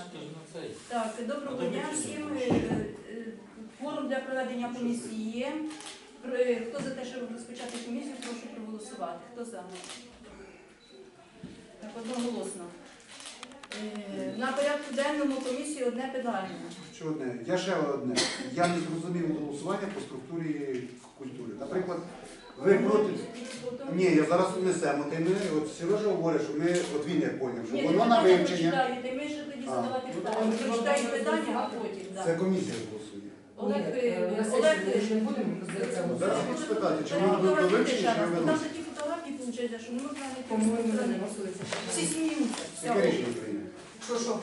Так, доброго дня всім. Форум для проведення комісії є. Хто за те, щоб розпочати комісію, прошу проголосувати. Хто за? Так, одноголосно. На порядку денному комісії одне питання. Що одне? Я ще одне. Я не зрозумів голосування по структурі культури. Наприклад, ви проти... Ні, я зараз внесемо. От Сережа говорить, що ми, от він як поняв, що воно на вивчення. Ні, ми ж тоді задавати питання. Ви читаєте питання, а потім. Це комісія голосує. Олег, не будемо розглядати. Зараз хочу спитати, чи воно буде вивчення, чи не там виносить? такі фотографії, виходить, що не можна не По-моєму, не голосується. всі сміються. Яке рішення прийняти? Що?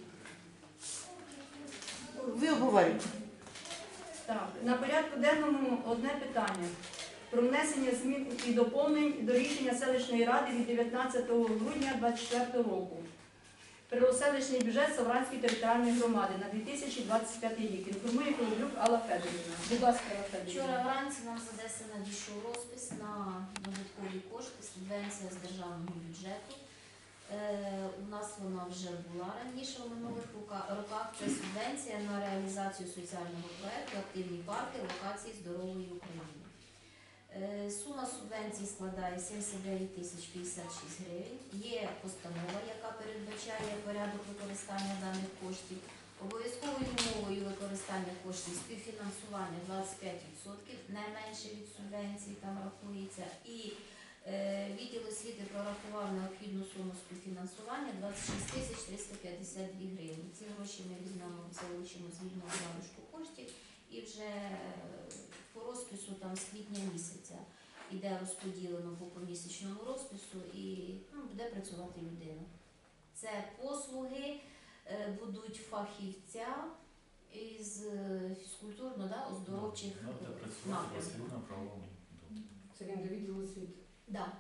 Ви обговорюєте. Так, на порядку денному одне питання. Про внесення змін і доповнень до рішення селищної ради від 19 грудня 2024 року. Селищний бюджет Савранської територіальної громади на 2025 рік. Інформує Колоблюк Алла Федорівна. Будь ласка, Алла Федорівна. Вчора вранці нам з Одеси надійшов розпис на додаткові кошти, субвенція з державного бюджету. У нас вона вже була раніше у минулих роках. Це субвенція на реалізацію соціального проєкту «Активні парки локації здорової України». Сума субвенції складає 79 тисяч 56 гривень. Є постанова, яка передбачає порядок використання даних коштів. Обов'язковою умовою використання коштів співфінансування 25%, не менше від субвенції там рахується. І відділ освіти прорахував необхідну суму співфінансування 26 тисяч 352 гривні. Ці гроші ми візьмемо, залучимо з вільного залишку коштів і вже по розпису там з квітня місяця іде розподілено по помісячному розпису і буде працювати людина. Це послуги будуть фахівця із фізкультурно-оздоровчих напрямків. Це він до відділу освіти. Так.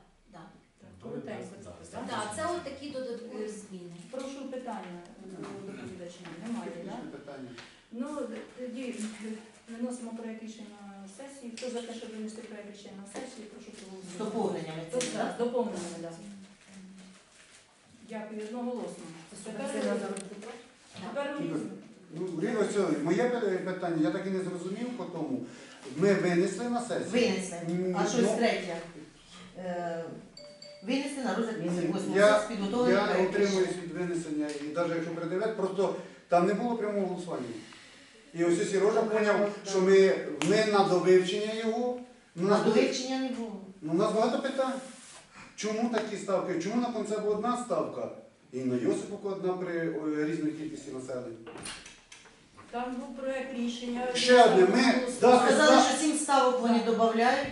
Так, Так, це от такі додаткові зміни. прошу питання до доповідача. Немає, так? Технічне питання. Ну, тоді виносимо проєкт рішення на сесію. Хто за те, щоб винести проєкт рішення на сесію, прошу проголосувати. З доповненнями. Хто за? З доповненнями, так. Дякую, одноголосно. Тепер Ріно, моє питання, я так і не зрозумів по тому. Ми винесли на сесію. Винесли. А щось Ну, третє. Винесли на розгляд після 8 Я підготовлення. утримуюсь від винесення, і навіть якщо передивляти, просто там не було прямого голосування. І ось Сережа зрозумів, що ми на довивчення його. На довивчення не було. У нас багато питань. Чому такі ставки? Чому на Концебу одна ставка і на Йосиповку одна при різній кількості населення? там був проєкт рішення. Ще одне, ми Сказали, що 7 ставок вони додають.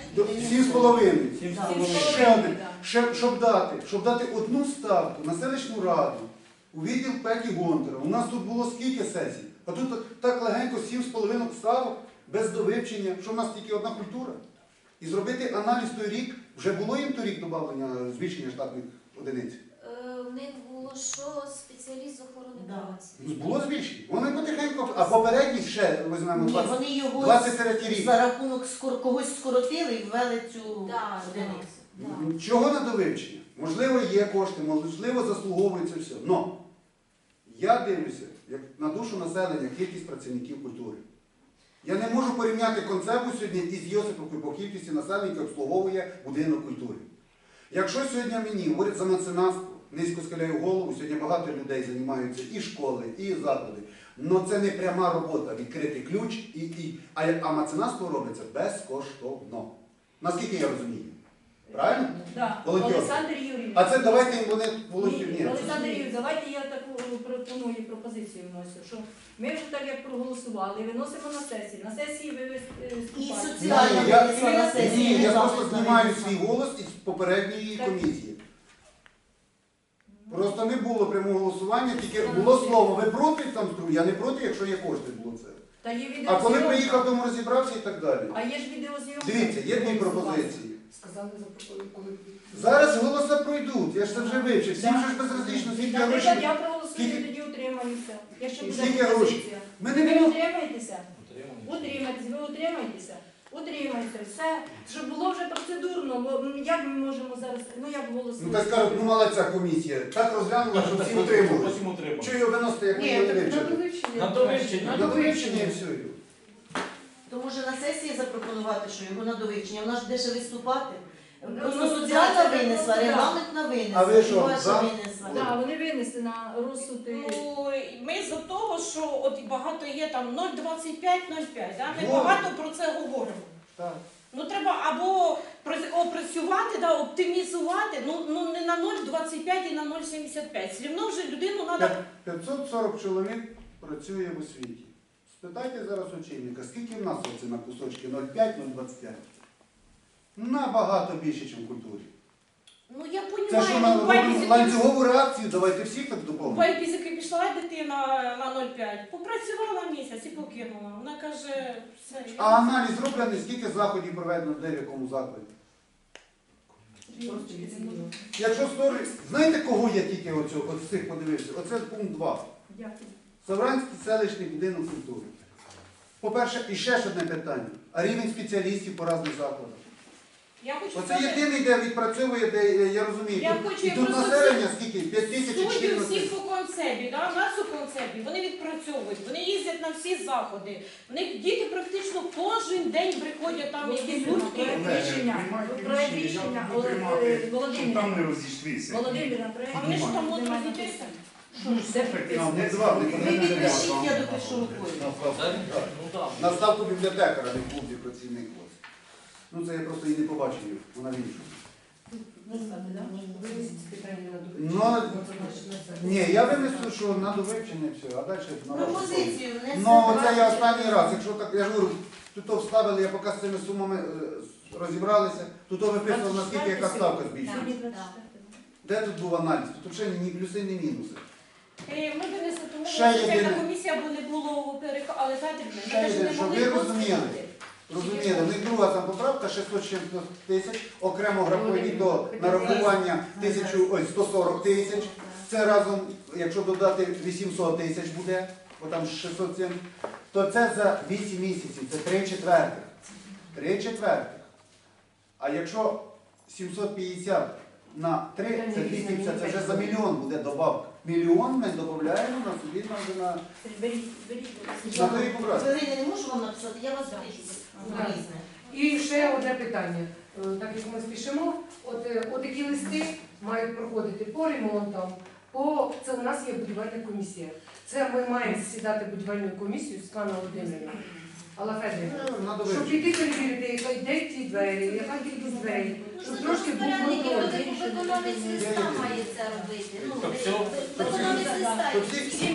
7,5. Ще одне. Щоб дати одну ставку на селищну раду у відділ Петі Гонтара. У нас тут було скільки сесій? А тут так легенько 7,5 ставок без довивчення, що в нас тільки одна культура. І зробити аналіз той рік, вже було їм торік додавлення, збільшення штатних одиниць? В них було що спеціаліст з охорони праці. Було збільшення. Вони потихеньку, а попередні ще візьмемо Ні, вони його 23 рік. за рахунок когось скоротили і ввели цю Так, одиницю. Чого на довивчення? Можливо, є кошти, можливо, заслуговується все. Но я дивлюся, як на душу населення, кількість працівників культури. Я не можу порівняти Концебу сьогодні із Йосиповкою по кількості населення, яке обслуговує будинок культури. Якщо сьогодні мені говорять за меценатство, низько схиляю голову, сьогодні багато людей займаються і школи, і заклади. Але це не пряма робота, відкрити ключ, а меценатство робиться безкоштовно. Наскільки я розумію? Правильно? Так, Володьор. Олександр Юрійович. А це давайте їм вони волонтери. Ні, Олександр Юрійович, давайте я таку пропоную пропозицію вносю, що ми вже так як проголосували, виносимо на сесію. На сесії ви І виступаєте. соціальна Ні, я- винесла на сесію. Ні, не я завтра просто знімаю навіть. свій голос із попередньої комісії. Просто не було прямого голосування, тільки було слово. Ви проти там стру? Я не проти, якщо є кошти, було це. Та є А коли відеозйомка. приїхав, тому розібрався і так далі. А є ж відеозйомка. Дивіться, є дві пропозиції. Сказали за коли. Зараз голоси пройдуть, я ж це вже вивчив. Всім же ж безразлично, скільки Наприклад, грошей. я проголосую, Скільки- тоді утримаюся. Якщо буде Скільки грошей? пропозиція. Ми не Ви будемо. утримаєтеся? Утримаєтеся, ви утримаєтеся. утримайся, все, щоб було вже процедурно, бо як ми можемо зараз, ну як голосувати? Ну так скажуть, ну мала ця комісія. Так розглянула, що всі утримувалися. Потім утримали. Чого його виносити, як ми Ні, його так на вивчили? довивчення. На довивчення. На довивчення і все. То може на сесії запропонувати, що його на довивчення, вона ж де ще виступати. Ну, Просто ну, соціальна це винесла, просто, да. регламентна винесла, А ви що, і ваша за? винесла. Так, вони винесли на розсуд. Ну, ми за того, що от багато є там 0,25-0,5, да? Ми Во. багато про це говоримо. Так. Ну треба або опрацювати, да, оптимізувати, ну не на 0,25 і на 0,75. Все одно вже людину треба. 540 чоловік працює в освіті. Спитайте зараз очільника, скільки в нас оце на кусочки 0,5-0,25? Набагато більше, ніж в культурі. Ну я Це що розумію, ми робимо ланцюгову реакцію, давайте всіх так доповнимо. Байбізики пішла дитина на 0,5, попрацювала місяць і покинула. Вона каже, все. А аналіз зроблений, скільки заходів проведено де в якому закладі? Якщо стори... Знаєте, кого я тільки з цих подивився? Оце пункт 2. Дякую. Савранський селищний будинок культури. По-перше, і ще ж одне питання. А рівень спеціалістів по різних закладах? Я хочу Оце сказати, єдиний, де відпрацьовує, де я розумію. Я тут- хочу, і я тут просто населення скільки? 5 тисяч суддів 14. всіх по концепі, да? У нас у концепі, вони відпрацьовують, вони їздять на всі заходи. В них діти практично кожен день приходять там якісь гуртки. Проект рішення, Володимир. Там не розійшлися. Володимир, на проект. А вони ж там рішення от немає розійдеться. написано. Де Ну, прописано? не два, не Ви підпишіть, я допишу рукою. На ставку бібліотекара, не клубі працівник. ось. Ну це я просто її не побачив, вона в іншому. Ну, ні, я винесу, що на довивчення і все, а далі на вашу совість. Пропозицію внесе. Ну, це я останній раз. Якщо так, я ж говорю, тут то вставили, я поки з цими сумами розібралися, тут то виписував, наскільки яка ставка збільшується. Сьогодні 24. Де тут був аналіз? Тут взагалі ні плюси, ні мінуси. Ми винесли, тому Ще що єдине. спеціальна комісія, бо не було переходу, але знаєте, ми Ще теж єдине, не щоб могли ви розуміли. розглянути. Розумієте, в них друга там поправка 660 тисяч, окремо графові до нарахування 140 тисяч. Це разом, якщо додати 800 тисяч буде, бо там 607, то це за 8 місяців, це 3/4. 3/4. А якщо 750 на 3, це 250, це вже за мільйон буде добавка. Мільйон ми додаємо на собі на Беріть, на тої поправки. Хвилини не можу вам написати, я вас запишу. Так. Різне. І ще одне питання. Так як ми спішимо, такі листи мають проходити по ремонтам, це у нас є будівельна комісія. Це ми маємо засідати будівельну комісію Світлана Володимирівна. Алла Федорівна. На Щоб довивчення. піти перевірити, яка йде ці двері, яка кількість дверей, щоб трошки був контроль. Виконавець листа має це робити. Ну, Тобто виконавець листа. То всі